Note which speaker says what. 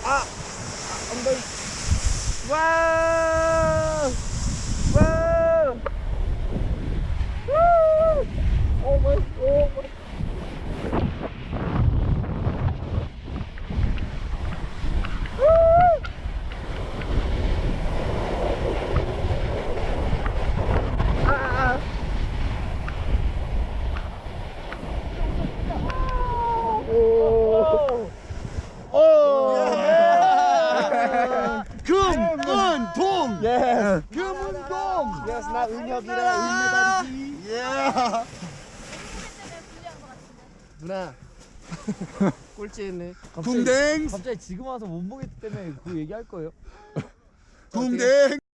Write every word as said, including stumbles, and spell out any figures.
Speaker 1: 아, 엉덩이. 와우. 와우. 오 마이, 오 마이.
Speaker 2: 금은동.
Speaker 1: Yes.
Speaker 2: 금은동.
Speaker 1: Yes, 나 은혁이라 은메달이지.
Speaker 2: 예.
Speaker 1: 누나. 꼴찌했네.
Speaker 2: 궁뎅.
Speaker 3: 갑자기 지금 와서 못 보기 때문에 그 얘기할 거예요?
Speaker 2: 궁뎅.